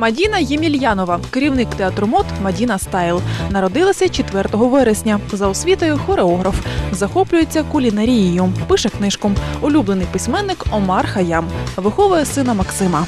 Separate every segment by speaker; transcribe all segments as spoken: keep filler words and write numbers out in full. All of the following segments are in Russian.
Speaker 1: Мадіна Ємельянова, керівник театру мод «Мадіна Стайл». Народилася четвертого вересня. За освітою хореограф. Захоплюється кулінарією. Пише книжку. Улюблений письменник Омар Хаям. Виховує сина Максима.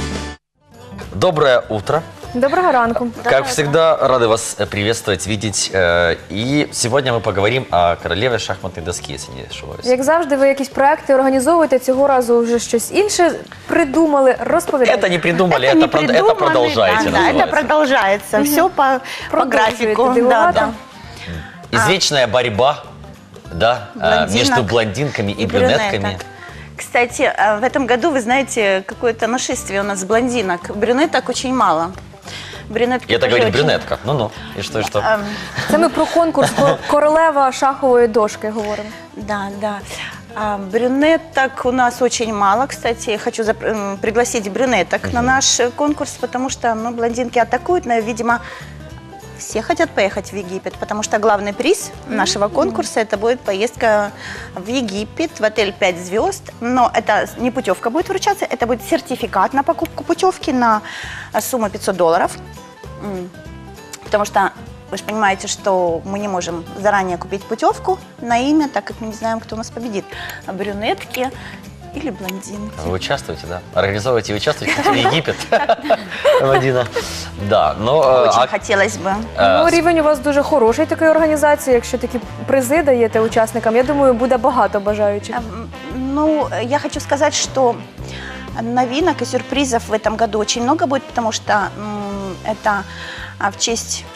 Speaker 2: Доброе утро.
Speaker 3: Доброго ранку.
Speaker 2: Как всегда, рады вас приветствовать, видеть. И сегодня мы поговорим о королеве шахматной доски, если не ошибаюсь.
Speaker 3: Як завжди, ви якісь проекти організовуєте, цього разу вже щось інше придумали, розповідайте.
Speaker 2: Это не придумали, это,
Speaker 4: Это не
Speaker 2: прод-
Speaker 4: придумано,
Speaker 2: это продолжаете.
Speaker 4: да, да, это
Speaker 2: называется.
Speaker 4: продолжается. Все по, по
Speaker 3: Продолжуете
Speaker 4: графику. Да,
Speaker 3: дивувати.
Speaker 4: да.
Speaker 2: Извечная борьба, да, а,
Speaker 4: Блондинок
Speaker 2: между блондинками и,
Speaker 4: и
Speaker 2: брюнетками.
Speaker 4: брюнеток. Кстати, а, в этом году, вы знаете, какое-то нашествие у нас блондинок. Брюнеток очень мало. Брюнетки
Speaker 2: Я так
Speaker 4: тоже
Speaker 2: говорю,
Speaker 4: очень-
Speaker 2: брюнетка. Ну-ну, и что, и что?
Speaker 4: Ам,
Speaker 3: Це ми про конкурс «Кор- королева шахової дошки говоримо.
Speaker 4: Да, да. А, брюнеток у нас очень мало, кстати. Я хочу зап- м, пригласить брюнеток на наш э, конкурс, потому что ну, блондинки атакуют, но, видимо, все хотят поехать в Египет, потому что главный приз нашего конкурса это будет поездка в Египет, в отель пять звезд. Но это не путевка будет вручаться, это будет сертификат на покупку путевки на сумму пятьсот долларов. М. Потому что вы же понимаете, что мы не можем заранее купить путевку на имя, так как мы не знаем, кто у нас победит. А брюнетки или блондинки.
Speaker 2: Вы участвуете, да? Организовываете и участвуете в Египет. Мадина. Да, но... э,
Speaker 4: Очень
Speaker 2: а-
Speaker 4: хотелось бы.
Speaker 2: э,
Speaker 3: Ну, рівень у вас дуже хороший такої організації, якщо такі призи даєте учасникам. Я думаю, буде багато бажаючих.
Speaker 4: М, Ну, я хочу сказать, что новинок и сюрпризов в этом году очень много будет, потому что м, это а, в честь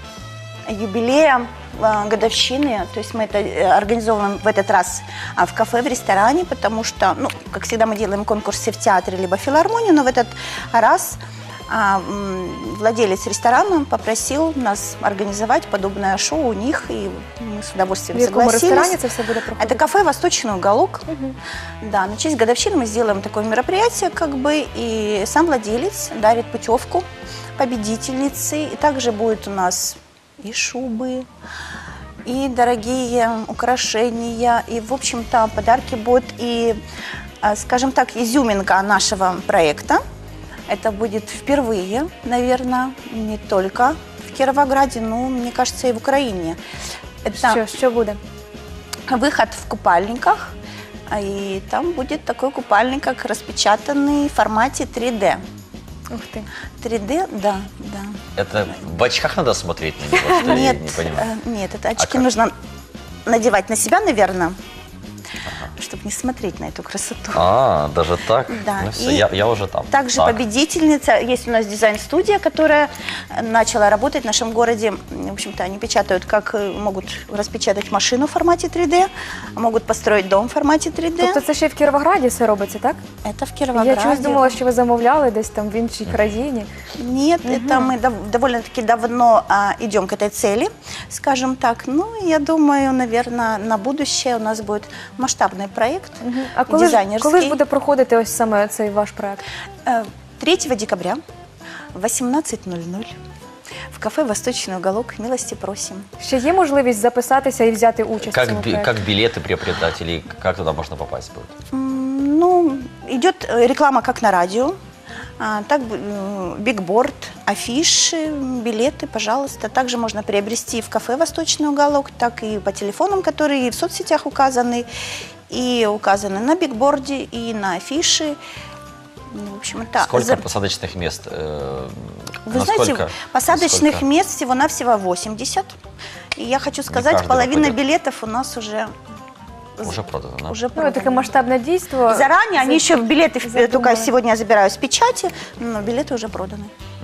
Speaker 4: юбилея, а, годовщины. То есть мы это э, организовываем в этот раз а, в кафе, в ресторане, потому что, ну, как всегда, мы делаем конкурсы в театре либо в филармонии, но в этот раз а, м, владелец ресторана попросил нас организовать подобное шоу у них, и мы с удовольствием
Speaker 3: В якому
Speaker 4: согласились.
Speaker 3: ресторані це все буде проходити?
Speaker 4: Это кафе «Восточный уголок». Да, на честь годовщины мы сделаем такое мероприятие, как бы, и сам владелец дарит путевку победительнице. И также будет у нас и шубы, и дорогие украшения, и, в общем-то, подарки будут, и, а, скажем так, изюминка нашего проекта. Это будет впервые, наверное, не только в Кировограде, но, мне кажется, и в Украине. Это
Speaker 3: Що, що буде?
Speaker 4: выход в купальниках, а и там будет такой купальник, как распечатанный в формате три дэ.
Speaker 3: Ух ти.
Speaker 4: три дэ, да, да.
Speaker 2: Это в очках надо смотреть на него, что ли? Я
Speaker 4: Нет,
Speaker 2: не понимаю.
Speaker 4: э, нет, это очки
Speaker 2: как?
Speaker 4: нужно надевать на себя, наверное, чтобы не смотреть на эту красоту.
Speaker 2: А, даже так?
Speaker 4: Да,
Speaker 2: Ну все,
Speaker 4: и
Speaker 2: я, я уже там.
Speaker 4: Также
Speaker 2: Так.
Speaker 4: победительница, есть у нас дизайн-студия, которая начала работать в нашем городе. В общем-то, они печатают, как э, могут распечатать машину в формате три дэ, могут построить дом в формате три дэ.
Speaker 3: Тобто це ще й в Кіровограді все робиться, так?
Speaker 4: Это в Кировограде.
Speaker 3: Я чогось думала, що ви замовляли десь там в іншій країні.
Speaker 4: Нет, это мы дов- довольно-таки давно а, идем к этой цели, скажем так. Ну, я думаю, наверное, на будущее у нас будет масштабный проект
Speaker 3: А коли ж,
Speaker 4: дизайнерский.
Speaker 3: коли ж буде проходити ось саме цей ваш проект?
Speaker 4: Э, третьего декабря в восемнадцать ноль ноль в кафе «Восточный уголок». Милости просим.
Speaker 3: Ще є можливість записатися і взяти участь в
Speaker 2: Как,
Speaker 3: цьому
Speaker 2: би-
Speaker 3: проекті?
Speaker 2: как билеты приобретать или как туда можно попасть будет?
Speaker 4: М, Ну, идет э, реклама как на радио, а, так м, бигборд, афиши, билеты, пожалуйста. Также можно приобрести в кафе «Восточный уголок», так и по телефонам, которые и в соцсетях указаны, и указаны на бигборде, и на афише. Ну, в общем, это
Speaker 2: Сколько
Speaker 4: за-
Speaker 2: посадочных мест? э,
Speaker 4: Вы знаете,
Speaker 2: насколько-
Speaker 4: посадочных
Speaker 2: насколько?
Speaker 4: мест всего-навсего восемьдесят. И я хочу сказать,
Speaker 2: каждый
Speaker 4: половина
Speaker 2: попадет.
Speaker 4: билетов у нас уже,
Speaker 2: Уже продано, да?
Speaker 4: уже
Speaker 3: Ну,
Speaker 4: проданы.
Speaker 3: таке масштабне дійство.
Speaker 4: Заранее они еще билеты, в-
Speaker 3: задумали.
Speaker 4: только сегодня я забираю с печати, но билеты уже проданы.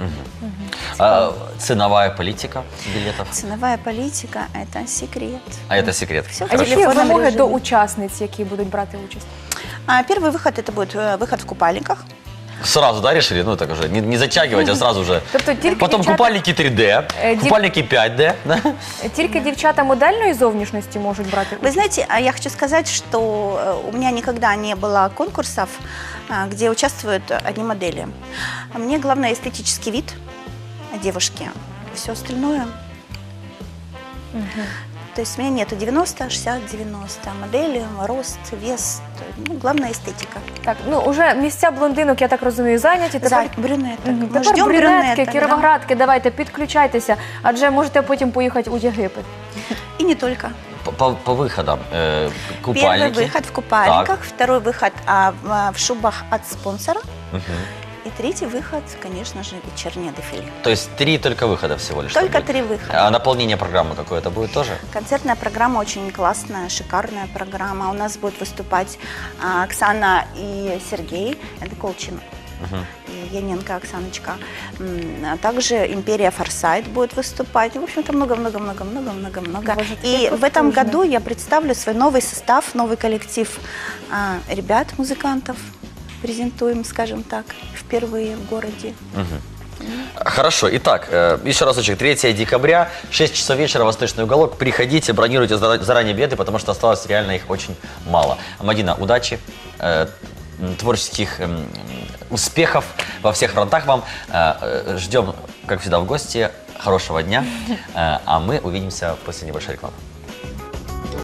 Speaker 2: А, ценовая политика билетов?
Speaker 4: Ценовая политика – это секрет.
Speaker 2: А это секрет.
Speaker 4: Всё в
Speaker 3: А які
Speaker 4: телефонном
Speaker 3: вимоги
Speaker 4: режиме.
Speaker 3: до учасниць, які будуть брати участь?
Speaker 4: А первый выход – это будет э, выход в купальниках.
Speaker 2: Сразу, да, решили? Ну, так уже, не, не затягивать, а сразу же.
Speaker 3: Тобто тільки
Speaker 2: Потом
Speaker 3: дівчата,
Speaker 2: купальники три дэ,
Speaker 3: Э, дев-
Speaker 2: купальники пять дэ. Да?
Speaker 3: тільки дівчата модельної зовнішності можуть брати
Speaker 4: Вы
Speaker 3: участь?
Speaker 4: знаете, а я хочу сказать, что э, у меня никогда не было конкурсов, а, где участвуют одни модели. А Мне главное эстетический вид девушки. Все остальное То есть у меня нету девяносто, шестьдесят, девяносто. Модели, рост, вес. Ну, главное эстетика.
Speaker 3: Так, ну уже місця блондинок, я так розумію, зайняті. Тепер,
Speaker 4: За брюнеток.
Speaker 3: Мгм.
Speaker 4: Мы
Speaker 3: Тепер
Speaker 4: ждем
Speaker 3: брюнетки,
Speaker 4: брюнеток. да.
Speaker 3: кіровоградки, давайте, підключайтеся, адже можете потім поїхати у Єгипет.
Speaker 4: И не только.
Speaker 2: По, по- по выходам. Э,
Speaker 4: Первый
Speaker 2: купальники.
Speaker 4: выход в купальниках, второй выход а, в, а, в шубах от спонсора.
Speaker 2: Мгм.
Speaker 4: И третий выход, конечно же, вечернее дефиле.
Speaker 2: То есть три только выхода всего лишь.
Speaker 4: Только
Speaker 2: будет.
Speaker 4: три выхода.
Speaker 2: А наполнение программы какое-то будет тоже?
Speaker 4: Концертная программа очень классная, шикарная программа. У нас будут выступать а, Оксана и Сергей, это Колчин.
Speaker 2: Мгм.
Speaker 4: И Яненко Оксаночка. М, а также Империя Форсайт будет выступать. В общем-то, много-много-много-много-много-много.
Speaker 3: Боже,
Speaker 4: И
Speaker 3: такие
Speaker 4: в этом
Speaker 3: потужные.
Speaker 4: году я представлю свой новый состав, новый коллектив а, ребят, музыкантов. Презентуем, скажем так, впервые в городе.
Speaker 2: Мгм. Хорошо. Итак, э, еще разочек. третьего декабря, шесть часов вечера, Восточный уголок. Приходите, бронируйте зара- заранее билеты, потому что осталось реально их очень мало. Мадина, удачи, э, м, творческих м, успехов во всех фронтах вам. Э, э, Ждем, как всегда, в гости. Хорошего дня. Э, А мы увидимся после небольшой рекламы.